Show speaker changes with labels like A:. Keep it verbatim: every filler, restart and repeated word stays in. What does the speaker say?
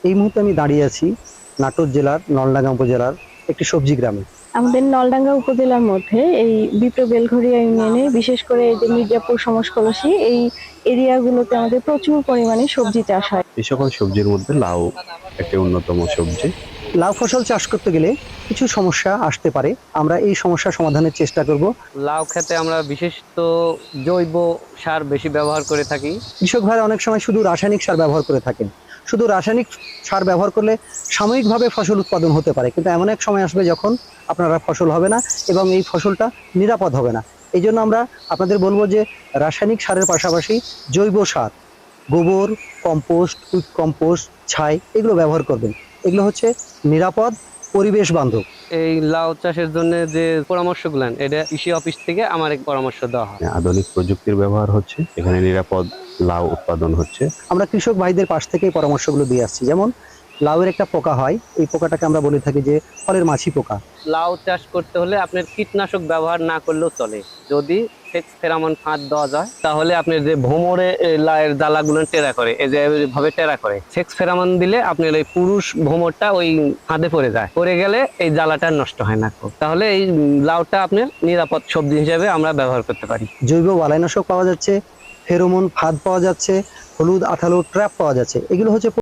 A: এই মুহূর্তে আমি দাঁড়িয়ে আছি নাটোর জেলার নলডাঙ্গা উপজেলার একটি সবজি গ্রামে।
B: আমাদের নলডাঙ্গা উপজেলার মধ্যে এই বিপ্র বেলঘরিয়া ইউনিয়নে বিশেষ করে এই যে মির্জাপুর সমসকলসি এই এরিয়াগুলোতে আমাদের প্রচুর পরিমাণে সবজি চাষ হয়।
C: এই সকল সবজির মধ্যে লাউ একটি অন্যতম সবজি।
A: লাউ ফসল চাষ করতে গেলে কিছু সমস্যা আসতে পারে, আমরা এই সমস্যা সমাধানের চেষ্টা করব।
D: লাউ খেতে আমরা বিশেষত জৈব সার বেশি ব্যবহার করে থাকি।
A: কৃষক ভাইরা অনেক সময় শুধু রাসায়নিক সার ব্যবহার করে থাকেন। শুধু রাসায়নিক সার ব্যবহার করলে সাময়িকভাবে ফসল উৎপাদন হতে পারে, কিন্তু এমন এক সময় আসবে যখন আপনারা ফসল হবে না এবং এই ফসলটা নিরাপদ হবে না। এই জন্য আমরা আপনাদের বলবো যে রাসায়নিক সারের পাশাপাশি জৈব সার, গোবর, কম্পোস্ট, কুইক কম্পোস্ট, ছাই এগুলো ব্যবহার করবেন। এগুলো হচ্ছে নিরাপদ, পরিবেশ বান্ধব।
D: এই লাউ চাষের জন্য যে পরামর্শগুলো এটা কৃষি অফিস থেকে আমার এক পরামর্শ দেওয়া হয়।
C: আধুনিক প্রযুক্তির ব্যবহার হচ্ছে, এখানে নিরাপদ লাউ উৎপাদন হচ্ছে।
A: আমরা কৃষক ভাইদের পাশ থেকে এই পরামর্শগুলো দিয়ে আসছি। যেমন লাউয়ের একটা পোকা হয়, এই পোকাটাকে আমরা বলে থাকি যে ফলের মাছি পোকা।
D: লাউ চাষ করতে হলে আপনার কীটনাশক ব্যবহার না করলেও চলে। যদি সেক্স ফেরামন ফাঁদ দেওয়া যায় তাহলে আপনার যে ভোমরে এই লাউয়ের জ্বালাগুলো টেরা করে, এই যে ভাবে টেরা করে, সেক্স ফেরামন দিলে আপনার এই পুরুষ ভোমরটা ওই ফাঁদে পড়ে যায়, পড়ে গেলে এই জ্বালাটা নষ্ট হয় না। তাহলে এই লাউটা আপনার নিরাপদ সবজি হিসেবে আমরা ব্যবহার করতে পারি।
A: জৈব বালাইনাশক পাওয়া যাচ্ছে, ফেরোমন ফাঁদ পাওয়া যাচ্ছে, হলুদ আঠালো ট্র্যাপ পাওয়া যাচ্ছে। এগুলো হচ্ছে